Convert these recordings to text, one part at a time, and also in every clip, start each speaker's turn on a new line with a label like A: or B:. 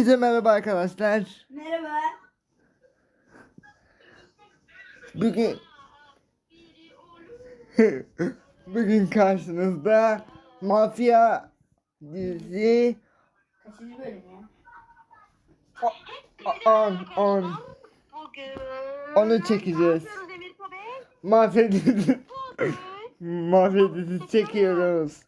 A: Hepinize merhaba arkadaşlar.
B: Merhaba.
A: Bugün bugün karşınızda Mafya dizi
B: Kaçıncı bölüm ya?
A: 10 onu çekeceğiz. Mafya dizi Mafya dizi çekiyoruz.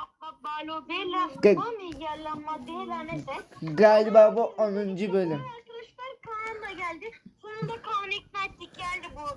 A: Galiba bu 10. bölüm.
C: Arkadaşlar Kaan da geldi. Sonunda Kaan'ı ikna ettik. Geldi bu.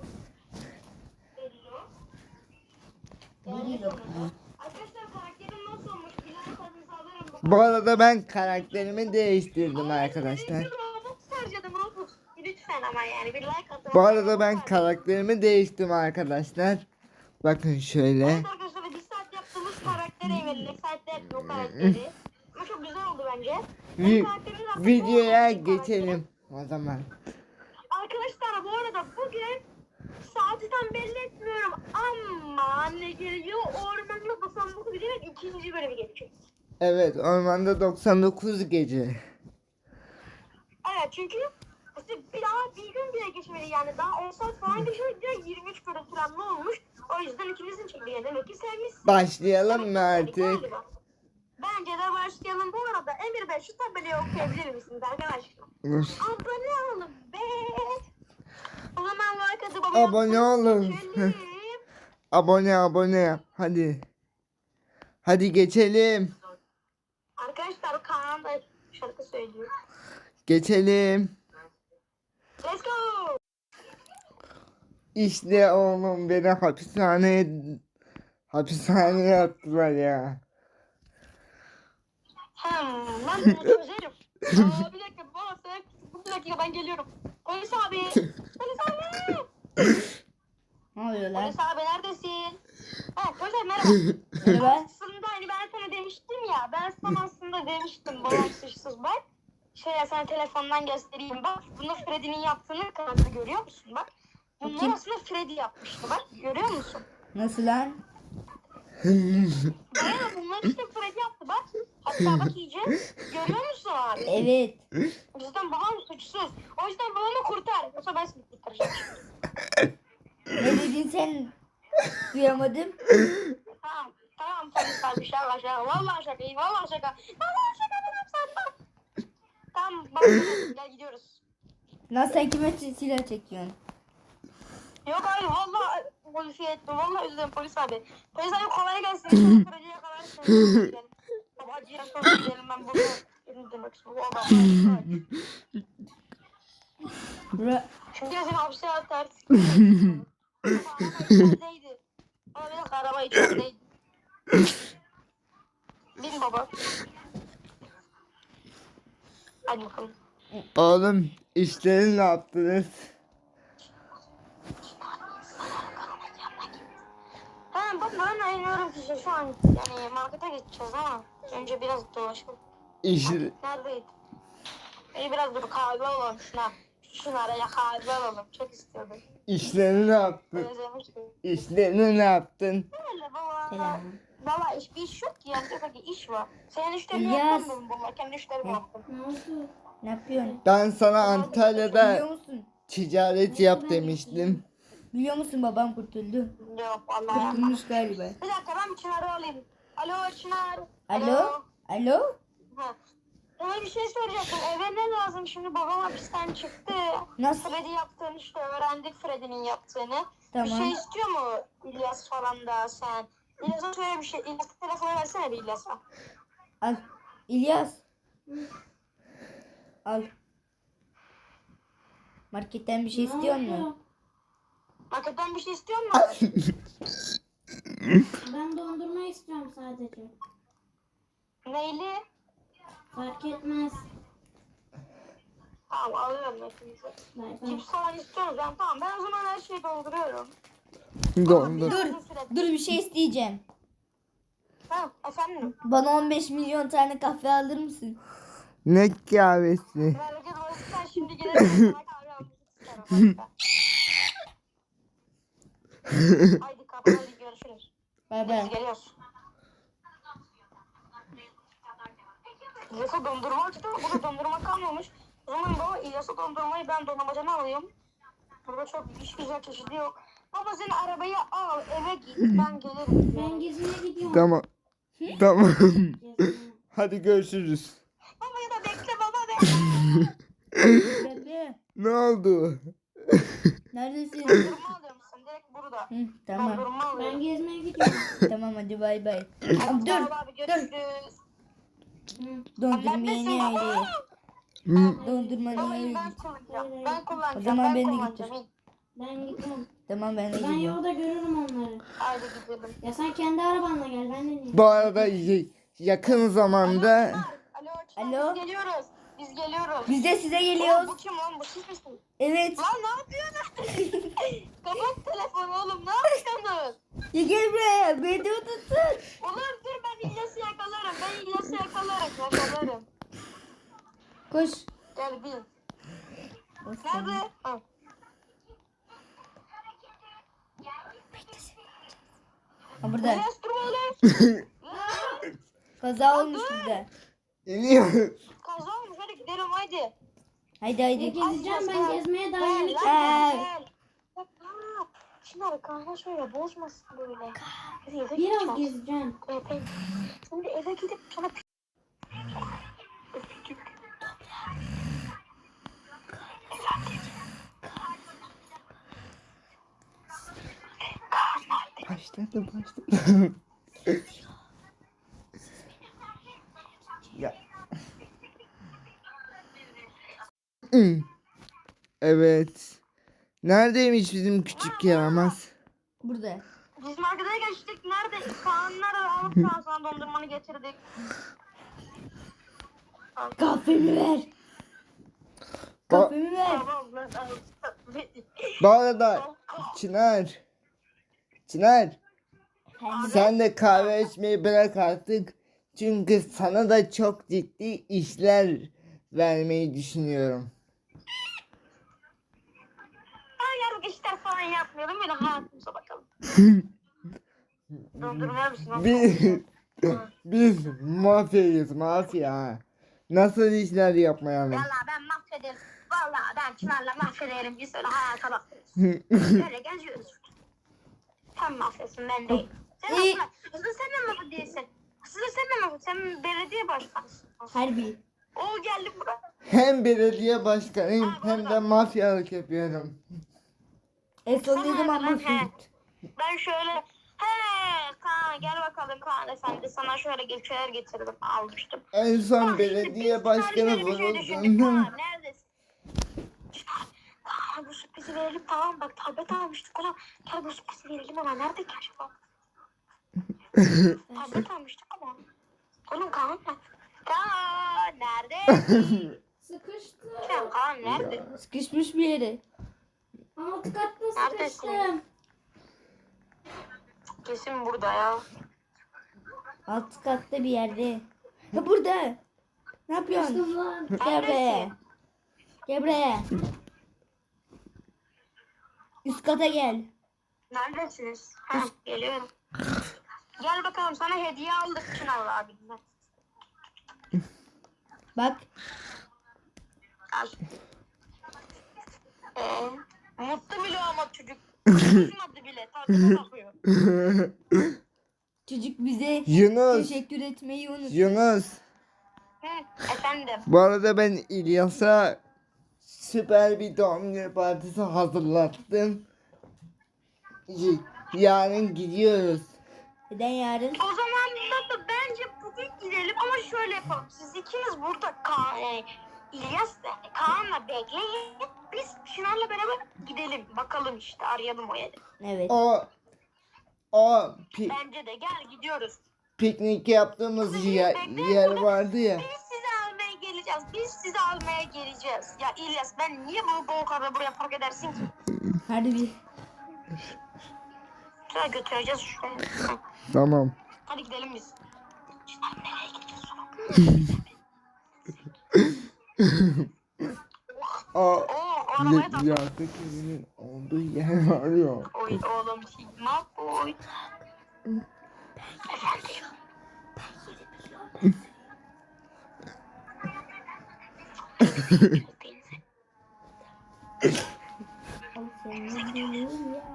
C: Arkadaşlar karakterim nasıl olmuş? Bilen tadınızı alırım.
A: Bu arada ben karakterimi değiştirdim arkadaşlar.
C: Robux harcadım Robux. Lütfen ama yani bir like atın.
A: Bu arada ben karakterimi değiştirdim arkadaşlar. Bakın şöyle.
C: Evet arkadaşlar bir saat yaptığımız karaktere verildik. Saatte yaptık o karakteri. Ama çok güzel oldu bence.
A: Videoya geçelim o zaman.
C: Arkadaşlar bu arada bugün saati tam belli etmiyorum ama anne geliyor ormanda 99 giderek ikinci bölümü geçecek.
A: Evet, ormanda 99 gece.
C: Evet çünkü işte bir daha bir gün bile geçmedi yani daha 10 saat falan geçmedi direkt 23 bölüm falan ne olmuş. O yüzden ikimizin çektiği demek ki sevmişsin.
A: Başlayalım mı artık?
C: Galiba. Bence de başlayalım bu arada. Emir Bey şu tabelayı okuyabilir misiniz arkadaşlar? Abone olun be. O zaman like atıp
A: Abone olun.
C: geçelim.
A: Abone hadi. Hadi geçelim.
C: Arkadaşlar Kaan da şarkı söylüyor.
A: Geçelim.
C: Let's go.
A: İşte oğlum beni hapishaneye attılar ya.
C: Ben bunu çözerim. Bir dakika baba sen bir dakika ben geliyorum. Polis abi. Polis abi.
B: Ne oluyor lan?
C: Polis abi neredesin? Ha polis abi merhaba.
B: Merhaba.
C: Aslında hani ben sana demiştim ya. Ben sana aslında demiştim babam suçsuz bak. Ya sana telefondan göstereyim bak. Bunu Freddy'nin yaptığını kanalda görüyor musun bak. Bunları
B: Kim?
C: aslında Freddy yapmıştı bak. Görüyor musun?
B: Nasıl lan?
C: Bayağı bunlar işte Freddy yaptı bak. Hatta bak iyice. Görüyor musun abi?
B: Evet.
C: O yüzden babam suçsuz. O yüzden babamı kurtar. Yoksa ben seni kurtaracağım.
B: Ne dedin sen? Duyamadım.
C: Tamam. Tamam polis abi şaka. Vallahi şaka. Vallahi şaka. Vallahi şaka dedim sana. Tamam bak gel gidiyoruz.
B: Lan sen kime silah çekiyorsun?
C: Yok hayır vallahi polisi ettim. Vallahi üzüldüm polis abi. Polis abi kolay gelsin. İnşallah Freddy'ye yakalar. Baba acıya sonra gidelim ben burada. Benim demek istiyorum. Vallahi.
B: Bura...
C: Şimdi de seni hapse atar. İçerideydi. Ama bir dakika araba içerideydi. Bin baba. Hadi bakalım.
A: Oğlum işleri ne yaptınız?
C: Tamam bak ben iniyorum ki şu an yani markete gideceğiz ama önce biraz dolaşalım.
A: İş,
C: Neredeydi? Biraz dur kahve alalım şuna. Şuna araya kahve alalım. Çok istiyordum.
A: işlerini ne yaptın?
C: Özlemiştim.
A: İşlerini ne yaptın?
C: Öyle baba.
B: Selam.
C: Valla bir iş yok ki yani tek iş var. Senin işlerini
B: İlyas.
C: yapmadım valla. Kendi işlerimi yaptım.
B: Ne yapıyorsun?
A: Ben sana
B: Biliyor
A: Antalya'da
B: musun?
A: ticaret yap demiştim.
B: Biliyor musun babam kurtuldu.
C: Yok valla yapmadım.
B: Kurtulmuş galiba.
C: Bir dakika ben Çınar'ı alayım. Alo Çınar.
B: Alo? Alo?
C: Ha. Sana bir şey soracaktım. Eve ne lazım? Şimdi babam hapisten çıktı.
B: Nasıl?
C: Freddy yaptığını işte öğrendik Freddy'nin yaptığını.
B: Tamam.
C: Bir şey istiyor mu İlyas falan da sen? İlyas'a şöyle bir şey. İlyas'a telefonu versene bir İlyas'a.
B: Al. İlyas. Al. Marketten bir şey istiyor musun?
C: Marketten bir şey istiyor mu?
D: Ben dondurma istiyorum sadece.
C: Neyli?
D: Fark etmez.
C: Tamam alıyorum hepinizi.
D: Bay bay.
C: Cips falan istiyoruz. Yani, tamam ben o zaman her şeyi dolduruyorum.
A: Dondur.
B: Dur bir şey isteyeceğim.
C: Ha efendim.
B: Bana 15 milyon tane kahve alır mısın?
A: Ne kahvesi?
C: Böylece dolayısıyla şimdi gelirim. Sana kahve almak isterim. Haydi kapı hadi görüşürüz.
B: Bay
C: Biz
B: bay.
C: geliyoruz. Yoksa dondurma açtı. Burada dondurma kalmadı. İlyas'a dondurmayı ben dondurmacana alayım. Burada çok hiç güzel çeşidi yok. Baba sen arabayı al eve git ben gelirim.
D: Ben gezmeye gidiyorum.
A: Tamam. Tamam.
D: Gezmeye.
A: Hadi görüşürüz.
C: Baba ya da bekle baba bekle.
B: Bekle.
A: Ne oldu?
B: Neredesin?
C: Dondurma alıyor musun? Direkt burada.
B: Hı, tamam.
C: Dondurma
D: Ben
C: alıyorum.
D: gezmeye gidiyorum.
B: Tamam hadi bay bay.
C: Tamam,
B: Dur.
C: abi görüşürüz.
B: Dondurmayı
C: Neredesin
B: ne
C: baba?
B: öyle?
A: Hı,
B: Dondurma ne
C: Babayı
B: öyle?
C: ben kullanacağım. Ben kullanacağım.
B: O zaman
C: ben
B: ben de
C: kullanacağım.
B: getir.
D: Ben gidiyorum.
B: Tamam ben de
D: Ben
B: gidiyorum.
D: yolda görürüm onları.
C: Haydi gidelim.
D: Ya sen kendi arabanla gel. Ben de niye?
A: Bu arada yakın zamanda
C: Alo Çınar,
B: Alo.
C: biz geliyoruz. Biz geliyoruz.
B: Biz de size
C: Oğlum,
B: geliyoruz.
C: bu kim lan? Bu siz misiniz?
B: Evet.
C: Lan ne yapıyorsun? Kapat telefonu oğlum. Ne yapıyorsunuz?
B: Ya gel buraya. Beni de tutun.
C: Olur dur ben İlyas'ı yakalarım. Ben İlyas'ı yakalarım. Yakalarım.
B: Koş.
C: Gel bin. Nerede? Ha.
B: Ha burada.
C: İlyas dur oğlum.
B: Kaza olmuş burada.
A: geliyor.
C: Kaza olmuş hadi gidelim haydi.
B: Haydi
D: Ya
B: haydi.
D: gezeceğim ben gezmeye daha yeni
C: Gel
D: çıktım.
C: lan gel. Bak ha. Çınar kahve şöyle bozmasın böyle. Hadi eve
D: Biraz
C: gideceğiz.
D: gezeceğim.
C: Evet. Şimdi eve gidip sonra öpücük.
A: Başladı başladı. Ya. Evet. Neredeymiş bizim küçük yaramaz?
B: Burada.
C: Biz markete geçtik. Nerede? Kaanlar alıp Kaan sana dondurmanı getirdik.
B: Kahvemi ver. Kahvemi ver.
C: Tamam lan.
A: Bu arada Çınar. Çınar. Sen de kahve içmeyi bırak artık. Çünkü sana da çok ciddi işler vermeyi düşünüyorum.
C: Ben yarın işler falan yapmıyorum. Böyle hayatımıza bakalım. Dondurma mısın?
A: Biz mafyayız mafya. Nasıl işler yapmayalım?
C: Valla ben mahvederim. Valla ben Çınar'la mahvederim. Biz öyle hayata bakıyoruz. Böyle geziyoruz. Sen mahvetsin ben değil. Sen
B: İyi.
C: aslında sen de mahvet değilsin. Aslında sen de mahvet. Sen belediye başkanısın.
B: Harbi.
C: O geldi buraya.
A: Hem belediye başkanıyım hem de mafyalık yapıyorum.
B: En son ne zaman
C: He.
B: mahvet?
C: Ben şöyle Kaan gel bakalım Kaan efendi sana şöyle şeyler getirdim almıştım.
A: En son
C: Kaan,
A: belediye
C: biz
A: başkanı
C: şöyle bir şey düşündük.
A: vurulduğunda
C: Kaan neredesin? Kaan bu sürprizi verelim tamam bak tablet almıştık ulan. Gel bu sürprizi verelim ama nerede ki acaba? Tablet almıştık ama. Oğlum Kaan nerede? Kaan nerede?
D: Sıkıştım.
C: Sen Kaan nerede?
B: Sıkışmış bir yere.
D: Alt katta
C: Neredesin?
D: sıkıştım.
C: Kesin burada ya.
B: Alt katta bir yerde. Ha burada. Ne yapıyorsun?
D: Sıkıştım lan.
B: Gel buraya. Gel buraya. Üst kata gel.
C: Neredesiniz? Ha, geliyorum. Gel bakalım sana hediye aldık Çınar abimden.
B: Bak.
C: Al. Mutlu bile ama çocuk. Kızmadı bile. Tadına bakıyor.
B: Çocuk bize
A: Yunus,
B: teşekkür etmeyi unut.
A: Yunus.
C: Hı, efendim.
A: Bu arada ben İlyas'a süper bir doğum günü partisi hazırlattım. Yarın gidiyoruz.
B: Neden yarın?
C: O zaman baba bence bugün gidelim ama şöyle yapalım. Siz ikiniz burada Kaan, İlyas Kaan'la bekleyin. Biz Çınar'la beraber gidelim. Bakalım işte arayalım o yeri.
B: Evet.
A: O
C: Bence de gel gidiyoruz.
A: piknik yaptığımız yer vardı ya.
C: Biz sizi almaya geleceğiz. Biz sizi almaya geleceğiz. Ya İlyas ben niye bunu go-kart'la buraya park edersin ki?
B: Harbi.
C: Şuraya götüreceğiz şuraya. Hı.
A: Tamam.
C: Hadi gidelim biz. Çınar nereye gidiyorsun? Oo, arabaya tak.
A: Yazlık evinin olduğu yer var ya.
C: Oy oğlum Sigma boy. Efendim.
B: Al seni dilim ya.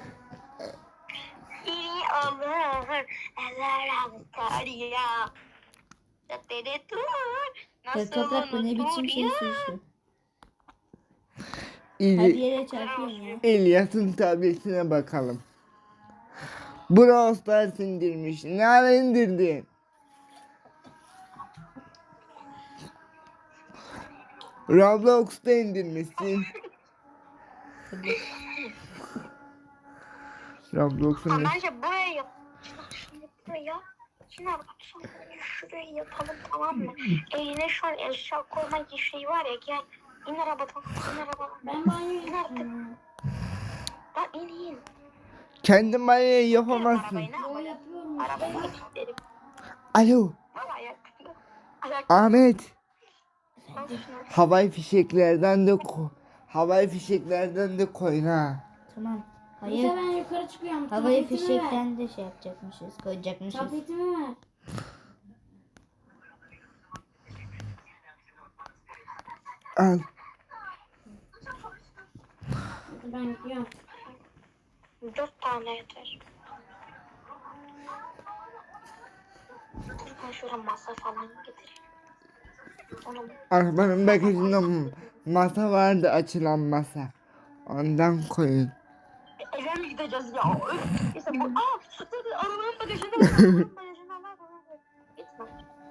C: İyi olur. Eller avutar ya. Dede tur.
B: Ya Toprak bu ne biçim şey söylüyor? Her
A: İli,
B: yere çarpıyorsun ya.
A: İlyas'ın tabletine bakalım. Brawl Stars indirmiş. Ne ara indirdin? Roblox'ta indirmişsin. Roblox'un
C: Bence buraya yap. Şimdi buraya. Şimdi sonra şuraya yapalım, tamam mı? Eline şu an eşya koyma şeyi var ya, gel. İn arabadan. İn arabadan.
D: Ben banyo yapıyorum.
C: Lan in.
A: kendi banyoyu
C: Yapamazsın.
A: yapamazsın.
C: Arabayı ne
D: Yo
C: yapayım?
D: yapıyorum.
C: Arabayı kilitlerim.
A: Alo
C: Valla ayak. Ayak.
A: Ahmet.
C: Al şunu.
A: Havai fişeklerden de havai fişeklerden de koyun ha.
B: Tamam.
D: Neyse
B: Hayır.
D: ben yukarı çıkıyorum.
B: Havayı
D: Tabletimi ver.
B: fişekten de şey yapacakmışız. Koyacakmışız.
D: Tabletimi ver.
A: Al.
D: Hadi ben gidiyorum.
C: 4 tane yeter. Ben şuraya masa falan getireyim. Onu
A: Arabanın bagajında masa vardı, açılan masa. Ondan koyun.
C: eve mi gideceğiz ya? Neyse bu... Dur, arabanın bagajında var. Arabanın bagajında var. Gitme.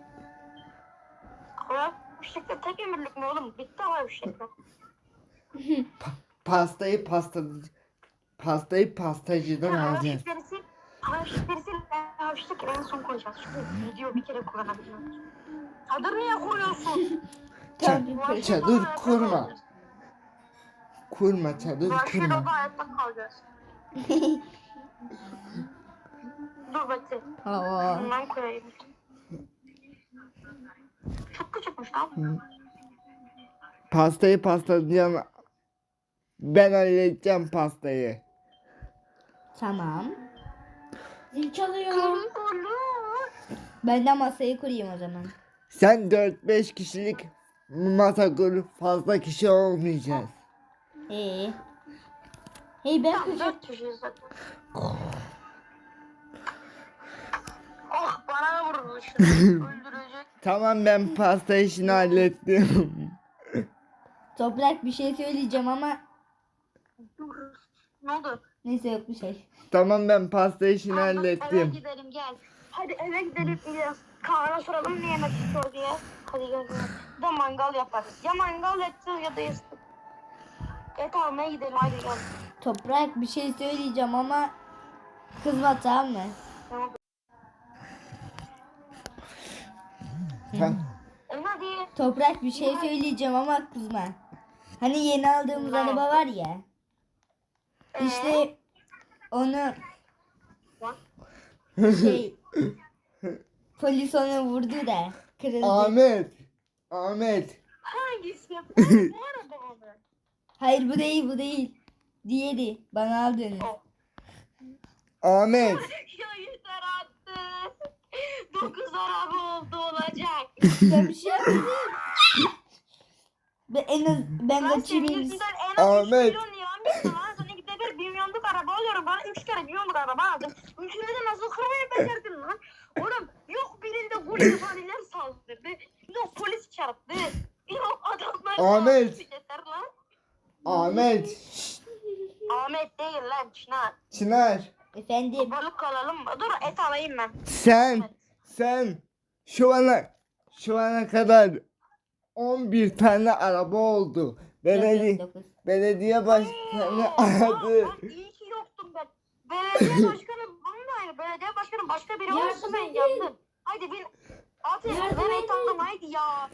C: Havai fişekler tek ömürlük mü oğlum? Bitti havai fişekler.
A: Pastayı pastacıdan
C: Havai
A: alacağız.
C: fişekleri sil. Havai fişekleri en son koyacağız. Çünkü video bir kere kullanabiliyoruz. Çadır niye kuruyorsun?
A: Çadır kurma. Kurma çadır
C: Vahşi
A: kurma.
C: odada hayatta kalacağız. Dur bekle.
B: Aa.
C: Bundan koyayım. Çok küçükmüş lan.
A: Pastayı pastacıdan ben halledeceğim pastayı.
B: Tamam.
D: Zil çalıyor.
B: Ben de masayı kurayım o zaman.
A: Sen 4-5 kişilik masa kur, fazla kişi olmayacağız.
B: Hey ben
C: Tam
B: kuracağım.
C: 4 kişiyiz zaten. Oh bana vurdu şunu. Öldürecek.
A: Tamam, ben pasta işini hallettim.
B: Toprak bir şey söyleyeceğim ama
C: Dur. Ne oldu?
B: neyse yok bir şey.
A: Tamam, ben pasta işini
C: Eve
A: hallettim.
C: gidelim gel. Hadi eve gidelim İlyas. Kaan'a soralım ne yemek istiyor diye. Hadi gel. Bir de mangal yaparız. Ya mangal edeceğiz ya da yastık. Et almaya gidelim hadi gel.
B: Toprak bir şey söyleyeceğim ama kızma, tamam mı?
C: Tamam.
A: Tamam.
C: Hadi.
B: Toprak bir şey söyleyeceğim ama kızma. Hani yeni aldığımız araba var ya. İşte onu şey polis onu vurdu da kırıldı.
A: Ahmet.
C: Hangisi? Bu araba mı?
B: Hayır bu değil. Diğeri bana aldığını.
A: Ahmet.
C: Ya yeter artık. 9 araba oldu olacak.
B: Ben bir şey yapmadım. Ben
C: Ben
B: kaçayım.
C: sevgilisinden en az 3
A: Ahmet.
C: milyon lira almışsın lan. Sana gide bir 1 milyonluk araba alıyorum. Bana 3 kere 1 milyonluk araba aldım. Üçünü de nasıl kırmayı becerdin lan? Oğlum yok birinde gulyabaniler saldırdı. Yok polis çarptı. Yok adamlar
A: Ahmet.
C: saldırdı. Yeter lan.
A: Ahmet.
C: Ahmet değil lan Çınar.
A: Çınar.
B: Efendim.
C: Balık alalım mı? Dur et alayım ben.
A: Sen şu ana kadar 11 tane araba oldu.
B: Dokuz.
A: Belediye başkanı aradı.
C: Bak iyi ki yoktum ben. Belediye başkanı bunun aynı. Belediye başkanı başka biri olsa ben yandım. Haydi bin. At
D: Yardım
C: ben et
D: edin.
C: aldım haydi ya.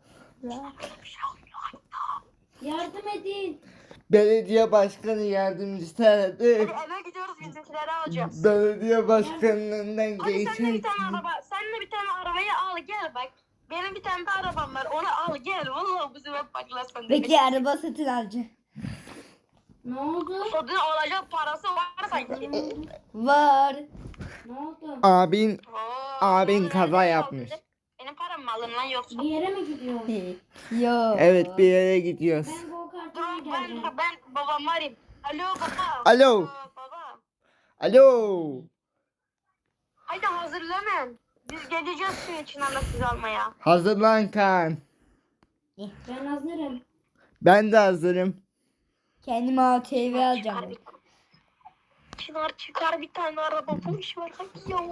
D: Yardım edin.
A: Belediye başkanı yardımcısı aradı.
C: Hadi eve gidiyoruz bizimkileri alacağız.
A: Belediye başkanının önünden
C: Hadi sen de bir
A: geçen.
C: tane araba. Sen de bir tane arabayı al gel bak. Benim bir tane de arabam var. Onu al gel. Vallahi bu sefer patlasın.
B: Bekle araba satın alacağım.
D: Ne oldu?
C: Sodun alacak parası var sanki.
B: Var.
D: Ne oldu?
A: Abin kaza
C: nerede
A: yapmış.
C: aldın? Benim param mı alın lan yoksa?
D: Bir yere mi gidiyorsun?
B: Yo.
A: Evet, bir yere gidiyoruz.
D: Ben go kart
C: Dur
D: oynayacağım. geleceğim.
C: Ben babamı arayayım. Alo baba.
A: Alo.
C: Baba.
A: Alo.
C: Haydi hazırlanın. Biz geleceğiz senin için sizi almaya.
A: Hazırlan Kaan.
D: Ben hazırım.
A: Ben de hazırım.
B: Kendime ATV alacağım ben.
C: Çınar çıkar bir tane araba boş ver hadi ya.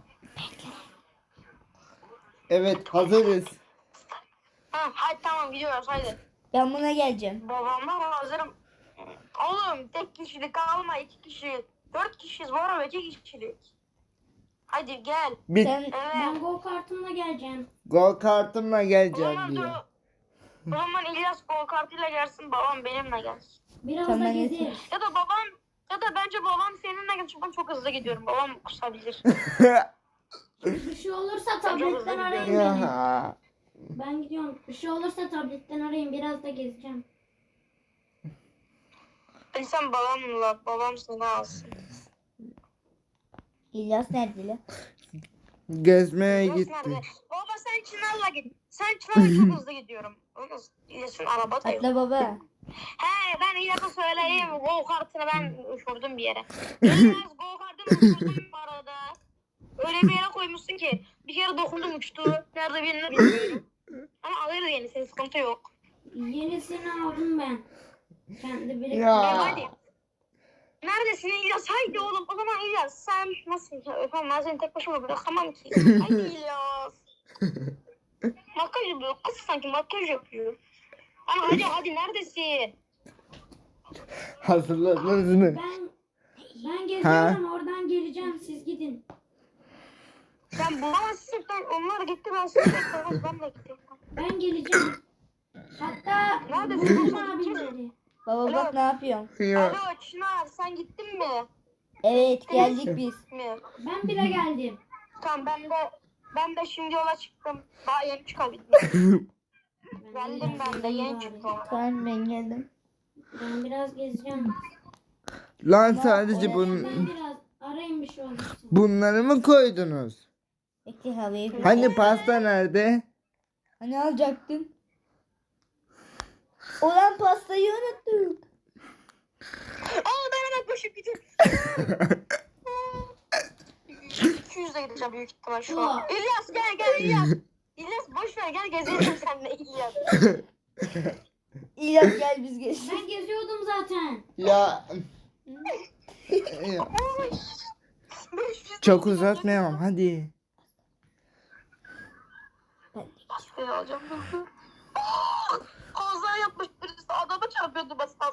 A: Evet hazırız.
C: Ha, hadi tamam gidiyoruz haydi.
B: Ben buna geleceğim.
C: Babamla hazırım. Oğlum tek kişilik alma 2 kişi. 4 kişiyiz bu araba 2 kişilik. Hadi gel.
A: Bir
B: Sen
C: Evet.
D: Ben go kartımla geleceğim.
A: go kartımla
C: O
A: geleceğim
C: zaman dur.
A: diyor.
C: O zaman İlyas go kartıyla gelsin babam benimle gelsin.
D: Biraz
B: Tamam,
D: da
B: yeter.
D: gezeriz.
C: Ya da babam ya da bence babam seninle gelsin. Ben çok hızlı gidiyorum. Babam kusabilir.
D: Bir şey olursa
C: Çok hızlı
D: tabletten arayın
C: gidiyorum.
D: beni.
A: Ya.
D: Ben gidiyorum. Bir şey olursa tabletten arayın. Biraz da gezeceğim.
C: Sen babam seni alsın.
B: İlyas nerede lan?
A: Gezmeye
C: İlyas
A: gitti.
C: nerede? Baba sen Çınar'la git. Sen Çınar'la çok hızlı gidiyorum. Olmaz. İlyas'ın araba da yok.
B: Atla baba.
C: He ben İlyas'a söyleyeyim. Go kartını ben uçurdum bir yere. İlyas go kartını uçurdum bu arada. Öyle bir yere koymuşsun ki. Bir kere dokundum uçtu. Nerede birini bilmiyorum. Ama alırız yenisini sıkıntı yok.
D: Yenisini aldım ben. Kendi biriktirdim.
A: Ya.
C: Hadi. Neredesin İlyas? Haydi oğlum. O zaman İlyas sen nasıl? Efendim ben seni tek başıma bırakamam ki. Haydi İlyas. Makyaj yapıyor. Kız sanki makyaj yapıyor. Ama hadi neredesin?
A: Hazırladınız mı?
D: Ben geziyorum. Oradan geleceğim. Siz gidin.
C: Sen bulamazsın. Onlar gitti ben seni bekliyorum. Ben de gittim.
D: Ben geleceğim. Hatta
C: Neredesin?
D: buldum abileri.
B: Baba bak ne yapıyorsun?
A: Ya.
C: Alo Çınar sen gittin mi?
B: Evet geldik biz.
C: Mi?
D: Ben bile geldim.
C: Tamam ben de şimdi yola çıktım. Daha yeni çıkabildim. Geldim ben de yeni çıktım.
B: Tamam ben geldim.
D: Ben biraz gezeceğim.
A: Lan sadece
D: Ben biraz arayın bir şey olursa.
A: bunları mı koydunuz?
B: Bekle havayı koy.
A: Hani pasta nerede?
B: Hani alacaktım? Olan pastayı unuttuk.
C: Ben hemen koşup gidiyorum. 200'e gideceğim büyük ihtimal şu an. İlyas gel İlyas. İlyas boş ver gel gezelim seninle İlyas.
B: İlyas gel biz geçelim.
D: Ben geziyordum zaten.
A: Ya. Ya. Çok uzatmayalım hadi.
C: Pastayı alacağım. Kaza yapmış birisi adamı çarpıyordu basas.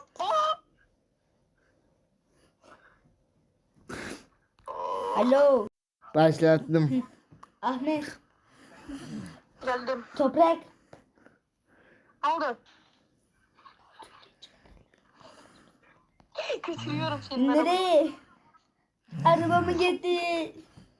B: Alo.
A: Başlattım.
B: Ahmet.
C: Geldim.
B: Toprak.
C: Aldı. Götürüyorum seni. arabaya.
B: Nereye? Arabamı getir.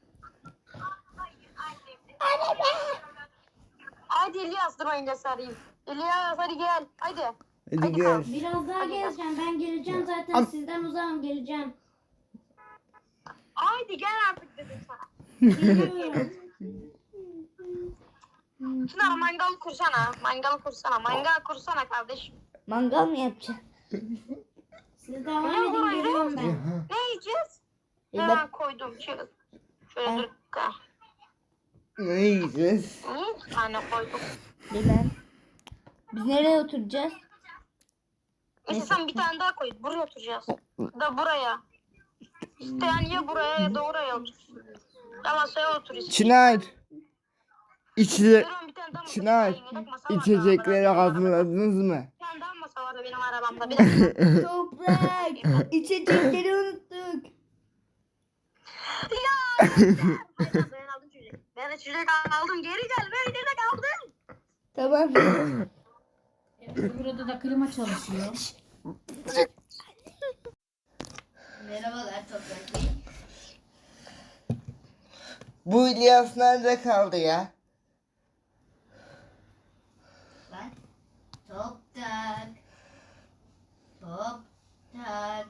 C: Hadi İlyas dur ben İlyas'ı arayayım. İlyas hadi gel. Hadi.
A: Hadi gel.
D: Biraz daha gezeceğim. Ben geleceğim zaten.
A: Am-
D: Sizden uzağım geleceğim.
C: Haydi gel artık dedim sana.
D: Geliyorum.
C: Çınar mangal kursana. Mangal kursana kardeşim.
B: Mangal mı yapacaksın?
D: Siz devam edin geliyorum ben.
C: Ne yiyeceğiz?
B: E
C: Hemen
B: bak
C: koydum. Şöyle dur. Dakika.
A: Ne yiyeceğiz?
C: Bir tane koydum.
B: bilmem. Biz nereye oturacağız?
C: Neyse sen bir tane daha koy. Buraya oturacağız. Da buraya. İsteyen ya buraya ya da oraya otursun. Ya masaya otur istiyorsan.
A: Çınar. İçecek.
C: Durun, bir tane daha masa
A: Çınar.
C: koyayım. Yedek masa var.
A: İçecekleri
C: Benim arabamda.
A: hazırladınız mı?
C: Bir tane daha masa vardı benim arabamda. Bir dakika.
B: Toprak. İçecekleri unuttuk.
C: Ya! Ben aldım çocuk. Ben de çocuk aldım. Geri gel. Ben çocuk aldım.
B: Tamam.
E: Burada da klima çalışıyor.
B: Merhabalar Toprak Bey.
A: Bu İlyas nerede kaldı ya?
B: Bak. Toprak. Toprak.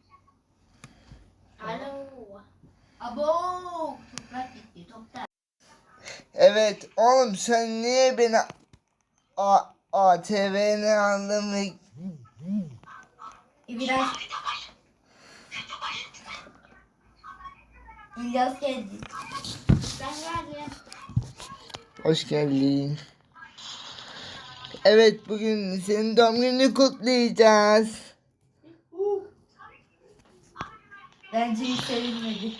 D: Alo.
B: Abo. Toprak gitti. Toprak.
A: Evet oğlum sen niye beni ATV'ne aldın ve
B: Biraz İlyas geldi.
D: Ben geldim.
A: Hoş geldin. Evet, bugün senin doğum gününü kutlayacağız.
B: Bence hiç sevinmedi.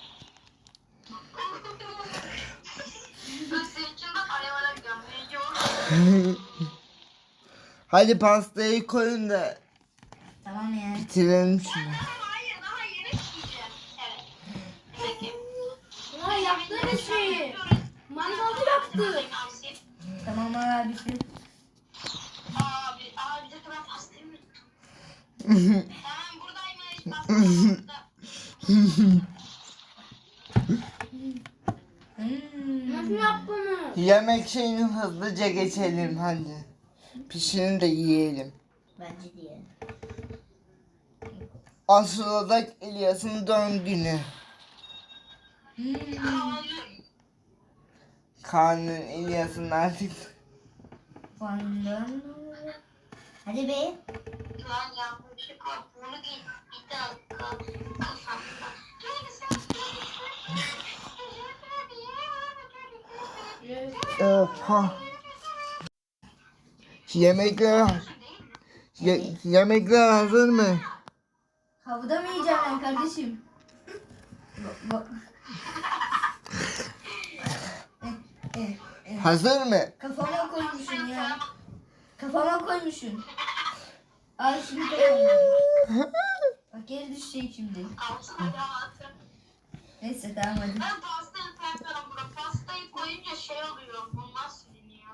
C: Ben senin için de arabaya gömleyeceğim.
A: Hadi pastayı koyun da
B: Tamam ya.
A: bitirelim şunu.
C: Hayır, daha yeni pişireceğim. Evet. Peki.
D: Ya yaptığınız şeyi. Mangalda yaktı.
B: Tamam abisi.
C: Abi de ben pastayı mı unuttum? Tamam buradaymış. Pastayı burada.
D: Nasıl yaptınız?
A: Yemek şeyini hızlıca geçelim hadi. Pişirin de yiyelim.
B: Bence diye.
A: Aslında İlyas'ın doğum günü. Kaan'ın İlyas'ın artık.
B: Fandan. Hadi be.
C: Lan yanlışlık var. Bunu giy. Bir dakika. Kafamda.
A: Oha. Yemekler yemekler hazır mı?
B: Havada mı yiyeceğim ben kardeşim?
A: Hazır mı?
B: Kafama koymuşsun ya. Kafama koymuşsun. Ay şimdi kafama. Bak geri düşecek şimdi.
C: Altına rahatım.
B: Neyse tamam hadi.
C: Ben pastayı koyarım bura. Pastayı koyunca şey oluyor. Bunlar siliniyor.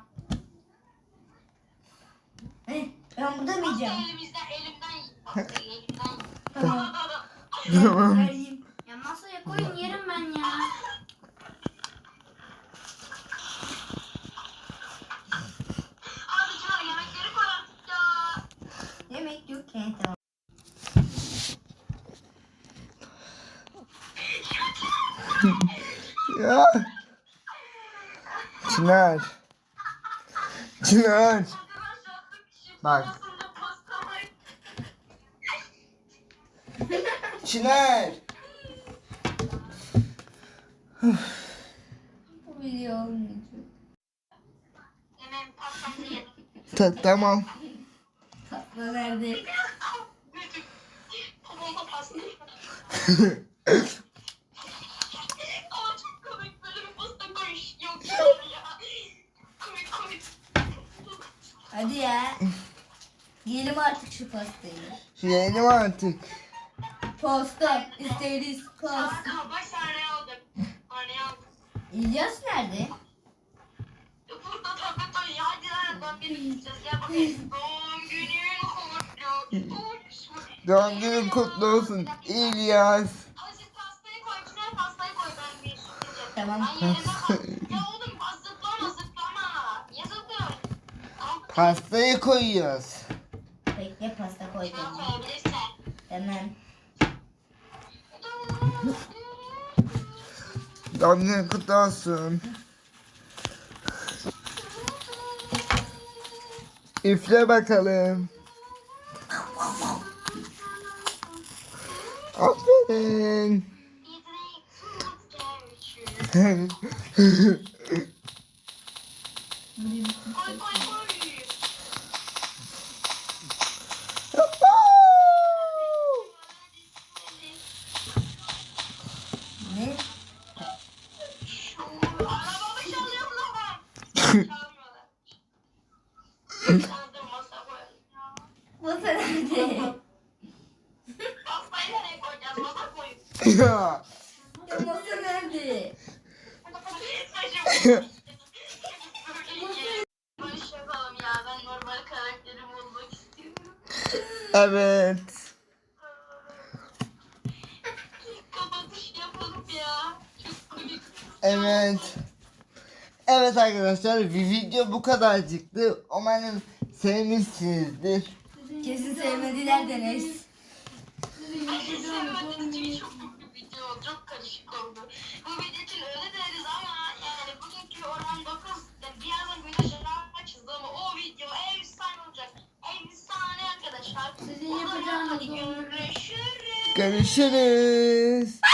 B: Ben burada mı yiyeceğim?
C: Pastayı elimden yiyin. Pastayı elimden yiyin.
B: Tamam. Vereyim.
D: Ya masaya koyun yerim ben ya.
C: Abi Çınar yemekleri koy artık ya.
B: Yemek yok ki. Tamam.
A: Ya. Çınar. Çınar.
C: Arkadaşlar şimdi
A: Bak.
C: aslında pasta var.
A: Çınar.
B: Bu video olmayacak.
C: Yemeğin pastamı yedim.
A: Tamam.
B: Tatlı nerede?
C: Babama pasta. Ama çok komik böyle bir pasta koyuş. Yok ya. Komik komik.
B: Hadi ya. Yiyelim artık şu pastayı.
A: Yiyelim artık.
B: Pasta. İsteriz pasta.
C: Ama baş tane aldım. Tane aldım.
B: İlyas nerede?
C: Burada tablet oynuyor. Hadi lan ben bir gideceğiz. Gel bakayım. Doğum günün kutlu olsun.
A: Doğum günün kutlu olsun İlyas.
C: Hadi siz pastayı koy. Güzel pastayı koy. Ben bir gideceğim.
B: Tamam.
C: Ben yerime koy. Ya oğlum zıplama zıplama. Niye zıplıyorsun? Tamam.
A: Pastayı koyuyoruz.
B: Bekle pasta
C: Şuna
B: koyacağım.
C: koyabilirsen.
B: Tamam.
A: Doğum günün kutlu olsun. Üfle bakalım. Aferin.
C: Koy koy koy.
B: Ne?
C: Arabamı çalıyor mu lan? Çalmıyorlar. Çaldım masa koyalım ya.
B: Masa nerede?
C: Pastayı nereye koyacağız? Masa koyun.
A: Ya.
B: Ya masa nerede?
C: Barış yapalım ya. Ben normal karakterimi olmak istiyorum.
A: Evet.
C: Kapatış yapalım ya. Çok komik.
A: Evet. Evet arkadaşlar, bir video bu kadarcıktı. Umarım sevmişsinizdir.
B: Kesin sevmediler de neyse.
C: Hiç sevmediğim için çok büyük bir video oldu. Çok karışık oldu. Bu video için öyle deriz ama yani bugünkü Orhan 9 birazdan güneş açıldı ama o video efsane olacak. Efsane arkadaşlar.
D: Sizin yapacağınız
C: Hadi görüşürüz.
A: Görüşürüz.